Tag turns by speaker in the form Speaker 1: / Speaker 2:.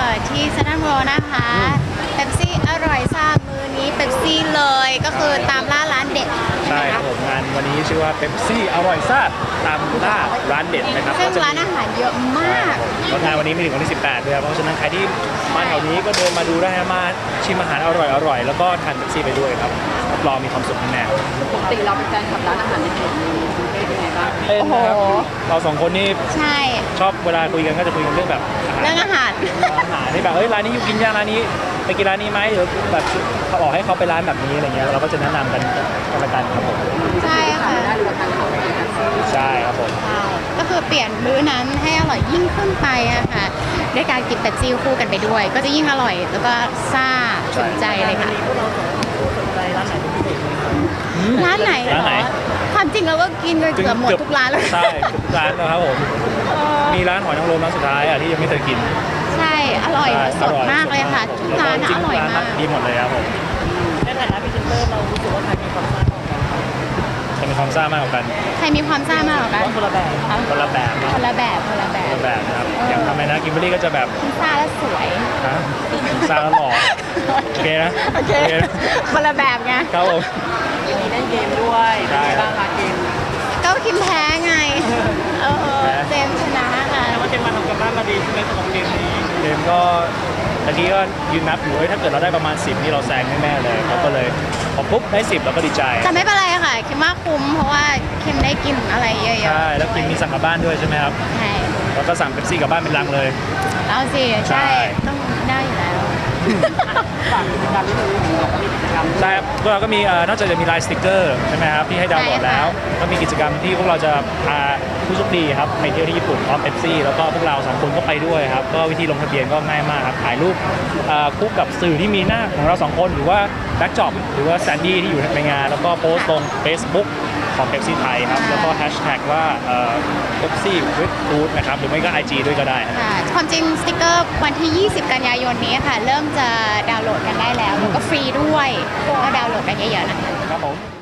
Speaker 1: ที่เซ็นทรัลเวิลด์นะคะเป๊ปซี่อร่อยซ่ามือนี้เป๊ปซี่เลยก็คือตามล่าร้านเด็ด
Speaker 2: ใช่ครับผมงานวันนี้ชื่อว่าเป๊ปซี่อร่อยซ่าตามล่าร้านเด็ดนะครับ
Speaker 1: ซึ่งร้านอาหารเยอะมาก
Speaker 2: แล้วงานวันนี้มีถึงวันที่18ด้วยครับเพราะฉะนั้นใครที่มาแถวนี้ก็เดินมาดูได้มาชิมอาหารอร่อยแล้วก็ทานเป๊ปซี่ไปด้วยครับรับรองมีความสุขแน่
Speaker 3: ปกติเราเป็นแฟนคลับร้านอาหารในเขตนี้เป็นยังไงบ้าง
Speaker 2: ๆเป็นนะครับเราสองคนนี่
Speaker 1: ใช่
Speaker 2: ชอบเวลาคุยกันก็จะคุยกันเรื่องแบบ
Speaker 1: เรื่องอาหาร
Speaker 2: อาหารที่แบบร้านนี้อยู่กินย่างร้านนี้ไปกินร้านนี้ไหมหรือแบบเขาบอกให้เขาไปร้านแบบนี้อะไรเงี้ยเราก็จะแนะนำกันละกันครับผม
Speaker 1: ใช่ค่ะ
Speaker 3: ได้หรือว่าทานเขาไปกัน
Speaker 2: ใช่ครับผม
Speaker 1: ใช่ก็คือเปลี่ยนมื้อนั้นให้อร่อยยิ่งขึ้นไปอะค่ะด้วยการกินเป๊ปซี่คู่กันไปด้วย ก็จะยิ่งอร่อยแล้วก็ซ่าถึงใจเลยค่ะร้านไหนเหร
Speaker 2: ร้านไหน
Speaker 1: อความจริงเราก็กินกันเกือบหมดทุกร้านเลย
Speaker 2: ใช่ทุกร้านนะครับผมมีร้านหอยนางรมร้านสุดท้ายอ่ะที่ยังไม่เคยกิน
Speaker 1: ใช่อร่อยสดมากเลยค่ะทุกร้านอร่อยมาก
Speaker 2: ดีหมดเลยครับผม
Speaker 3: ในฐานะพรีเซนเตอร์เรารู้สึกว่าใครมีความสามารถของกัน
Speaker 2: จะมีความซ่ามากกว่ากัน
Speaker 1: ใครมีความซ่ามากกว่ากัน
Speaker 3: คนละแบบ
Speaker 2: คนละแบบนะ
Speaker 1: คนละแบบคนละแบ
Speaker 2: คน
Speaker 1: บ
Speaker 2: ละแบบนะครับอย่างทำไมนะกิมเบอรี่ก็จะแบบ
Speaker 1: ซ่าและสวย
Speaker 2: ฮะซ่าแล้วหล่อโอเคนะ
Speaker 1: โอเคคนละแบบไง
Speaker 2: ครับผม
Speaker 3: มีเล่นเกมด้วยเป็นยังไงบ้างคะเกม
Speaker 1: ก็คิมแพ้ไงเจมส์ชนะค่ะ
Speaker 3: ว่าเจมมาทำกันบ้านมาดีใช่ไหมสำหรับเกมนี้
Speaker 2: เกมก็ตะกี้ก็ยืนนับอยู่ถ้าเกิดเราได้ประมาณ10นี่เราแซงแน่ๆเลยเขาก็เลยพอปุ๊บได้10เราก็ดีใจ
Speaker 1: แต่ไม่เป็นไรค่ะคิมว่าคุ้มเพราะว่าคิมได้กินอะไรเยอะๆ
Speaker 2: ใช่แล้วกินมีสั่งกลับบ้านด้วยใช่ไหมครับ
Speaker 1: ใช่
Speaker 2: แล้วก็สั่งเป๊ปซี่กลับบ้านเป็นลังเลย
Speaker 1: เอาสิ
Speaker 2: ใช่
Speaker 1: ใช่ต้องได้อยู่แล้ว
Speaker 3: ฝากกิจกรรมนิดนึงบอกว่ามีกิจกรรม
Speaker 2: ใช่ครับพวกเราก็มีนอกจากจะมีไลน์สติ๊กเกอร์ใช่ไหมครับที่ให้ดาวน์โหลดแล้วก็มีกิจกรรมที่พวกเราจะพาผู้โชคดีครับไปเที่ยวที่ญี่ปุ่นพร้อมเป๊ปซี่แล้วก็พวกเราสองคนก็ไปด้วยครับก็วิธีลงทะเบียนก็ง่ายมากครับถ่ายรูปคู่กับสื่อที่มีหน้าของเราสองคนหรือว่าแบ็กจ็อบหรือว่าแซนดี้ที่อยู่ในงานแล้วก็โพสต์ลง Facebook ของเป๊ปซี่ไทยครับแล้วก็แฮชแท็กว่าเป๊ปซี่วิดฟู้ดนะครับหรือไม่ก็ IG ด้วยก็ได้ครับ
Speaker 1: ค่ะความจริงสติกเกอร์วันที่ 20 กันยายนนี้ค่ะ เริ่มจะดาวน์โหลดกันได้แล้วแล้วก็ฟรีด้วยก็ดาวน์โหลดกันเยอะๆนะคะ
Speaker 2: ครับผม